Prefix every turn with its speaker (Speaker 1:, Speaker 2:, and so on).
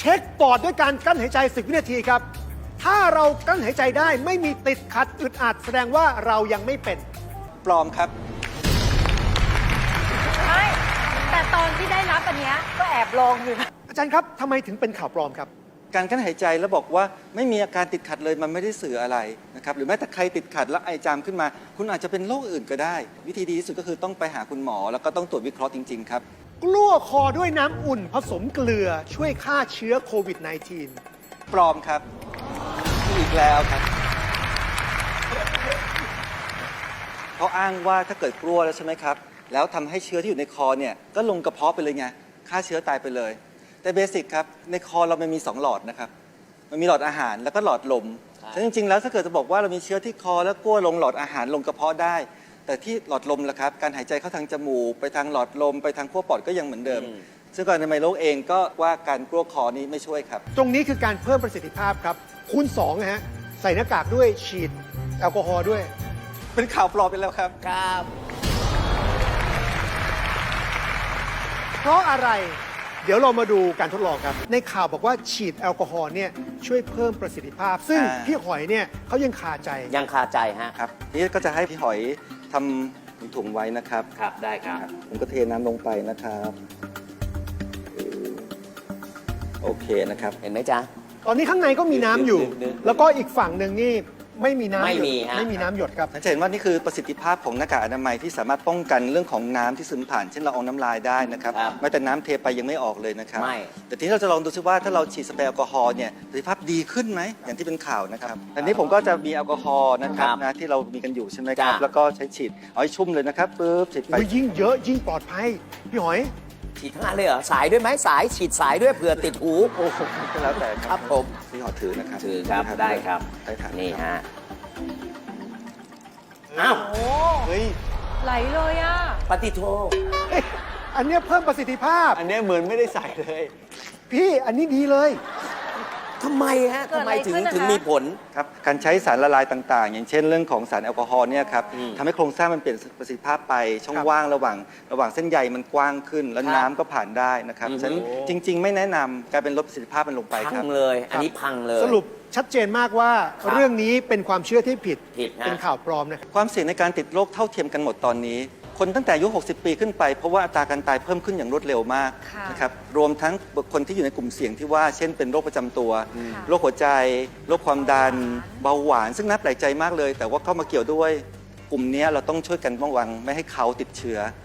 Speaker 1: ช็คปอดด้วยการกั้นหายใจ10 วินาทีครับถ้าเรากั้นหายใจได้ไม่มีติดขัดอึดอัดแสดงว่าเรายังไม่เป็น
Speaker 2: ปลอมครับ
Speaker 3: ไม่แต่ตอนที่ได้รับอันเนี้ยก็แอบลองอยู่นะ
Speaker 1: อาจารย์ครับทำไมถึงเป็นข่าวปลอมครับ
Speaker 2: การกั้นหายใจแล้วบอกว่าไม่มีอาการติดขัดเลยมันไม่ได้สื่ออะไรนะครับหรือแม้แต่ใครติดขัดแล้วไอจามขึ้นมา คุณอาจจะเป็นโรคอื่นก็ได้ วิธีดีที่สุดก็คือต้องไปหาคุณหมอแล้วก็ต้องตรวจวิเคราะห์จริงๆครับ
Speaker 1: กลั้วคอด้วยน้ำอุ่นผสมเกลือช่วยฆ่าเชื้อโควิด -19
Speaker 2: ปลอมครับอีกแล้วครับเขาอ้างว่าถ้าเกิดกลัวแล้วใช่ไหมครับแล้วทำให้เชื้อที่อยู่ในคอเนี่ยก็ลงกระเพาะไปเลยไงฆ่าเชื้อตายไปเลยแต่เบสิกครับในคอเรามันมี2หลอดนะครับมันมีหลอดอาหารแล้วก็หลอดลมแต่จริงๆแล้วถ้าเกิดจะบอกว่าเรามีเชื้อที่คอแล้วกลัวลงหลอดอาหารลงกระเพาะได้ แต่ที่หลอดลมล่ะครับการหายใจเข้าทางจมูกไปทางหลอดลมไปทางขั้วปอดก็ยังเหมือนเดิมซึ่งก่อนในไมโลกเองก็ว่าการกลัวคอนี้ไม่ช่วยครับ
Speaker 1: ตรงนี้คือการเพิ่มประสิทธิภาพครับคูณ2นะฮะใส่หน้ากากด้วยฉีดแอลกอฮอล์ด้วย
Speaker 2: เป็นข่าวปลอมไปแล้วครับ
Speaker 4: ครับ
Speaker 1: เพราะอะไร เดี๋ยวเรามาดูการทดลองครับ ในข่าวบอกว่าฉีดแอลกอฮอล์เนี่ยช่วยเพิ่มประสิทธิภาพ ซึ่งพี่หอยเนี่ยเขายังคาใจ
Speaker 4: ยังคาใจฮะ
Speaker 2: ครับนี่ก็จะให้พี่หอยทำถุงไว้นะครับ
Speaker 4: ครับได้ครับ
Speaker 2: ผมก็เทน้ำลงไปนะครับโอเคนะครับ
Speaker 4: เห็นไหมจ๊ะ
Speaker 1: ตอนนี้ข้างในก็มีน้ำอยู่
Speaker 4: ดึง
Speaker 1: แล้วก็อีกฝั่งหนึ่งนี่ไม่มีน้ำ
Speaker 4: ไม่
Speaker 1: หยด
Speaker 4: มีฮะ
Speaker 1: ไม่มีน้ำหยดครับ
Speaker 2: ท่านจะเห็นว่านี่คือประสิทธิภาพของหน้ากากอนามัยที่สามารถป้องกันเรื่องของน้ำที่ซึมผ่านเช่นละอองน้ำลายได้นะครับ
Speaker 4: ครับ
Speaker 2: แม้แต่น้ำเทไปยังไม่ออกเลยนะครับ
Speaker 4: ไม่
Speaker 2: แต่ทีนี้เราจะลองดูซิว่าถ้าเราฉีดสเปรย์แอลกอฮอล์เนี่ยประสิทธิภาพดีขึ้นไหมอย่างที่เป็นข่าวนะครับอันนี้ผมก็จะมีแอลกอฮอล์นะครับนะที่เรามีกันอยู่ใช่ไหมครับ
Speaker 4: จ้ะ
Speaker 2: แล้วก็ใช้ฉีดเอาให้ชุ่มเลยนะครับปึ๊บฉีดไป
Speaker 1: ยิ่งเยอะยิ่งปลอดภัย พี่หอย
Speaker 4: ฉีดทั้งอันเลยเหรอ สายด้วยไหมสายฉีดสายด้วยเผื่อติดหู
Speaker 2: โอ้โหก็แล้วแต่
Speaker 4: ครับผม
Speaker 2: พี่หอถือนะครับ
Speaker 4: ถือครับได้ครับ
Speaker 2: ได้ครับ
Speaker 4: นี่ฮะ อ้าว
Speaker 3: โอ้
Speaker 1: เฮ้ย
Speaker 3: ไหลเลยอ่ะ
Speaker 4: ปฏิโท
Speaker 1: เอ๊ะอันเนี้ยเพิ่มประสิทธิภาพ
Speaker 5: อันเนี้ยเหมือนไม่ได้ใส่เลย
Speaker 1: พี่อันนี้ดีเลย
Speaker 4: ทำไมฮะ
Speaker 3: เกิด
Speaker 4: ทำ
Speaker 3: อะ
Speaker 4: ไม
Speaker 3: ไร
Speaker 4: ถึง
Speaker 3: ขึ้นนะคะ
Speaker 4: ถึงมีผล
Speaker 2: ครับการใช้สารละลายต่างๆ อย่างเช่นเรื่องของสารแอลกอฮอล์เนี่ยครับ
Speaker 4: อืม
Speaker 2: ทำให้โครงสร้างมันเปลี่ยนประสิทธิภาพไปช่อง
Speaker 1: ครับ
Speaker 2: ว่างระหว่างเส้นใยมันกว้างขึ้น แล้ว
Speaker 4: ครับ
Speaker 2: น้ำก็ผ่านได้นะครับ
Speaker 4: อือฮึ
Speaker 2: ฉะนั้นจริง ๆ ไม่แนะนำการเป็นลดประสิทธิภาพมันลงไปค
Speaker 4: พั
Speaker 2: รับ
Speaker 4: งเลย อันนี้พังเลย
Speaker 1: สรุปชัดเจนมากว่า
Speaker 4: ครับ
Speaker 1: เรื่องนี้เป็นความเชื่อที่ผิด
Speaker 4: ผิดฮะ
Speaker 1: เป็นข่าวปลอมนะครับ
Speaker 2: ความเสี่ยงในการติดโรคเท่าเทียมกันหมดตอนนี้ คนตั้งแต่อายุ 60 ปีขึ้นไปเพราะว่าอัตราการตายเพิ่มขึ้นอย่างรวดเร็วมาก
Speaker 3: ค่ะ
Speaker 2: นะครับรวมทั้งบุคคลที่อยู่ในกลุ่มเสี่ยงที่ว่าเช่นเป็นโรคประจำตัว
Speaker 3: ค่ะ
Speaker 2: โรคหัวใจโรคความดันเบาหวาน ซึ่งน่าแปลกใจมากเลย แต่ว่าเข้ามาเกี่ยวด้วยกลุ่มนี้เราต้องช่วยกันป้องกันไม่ให้เขาติดเชื้อ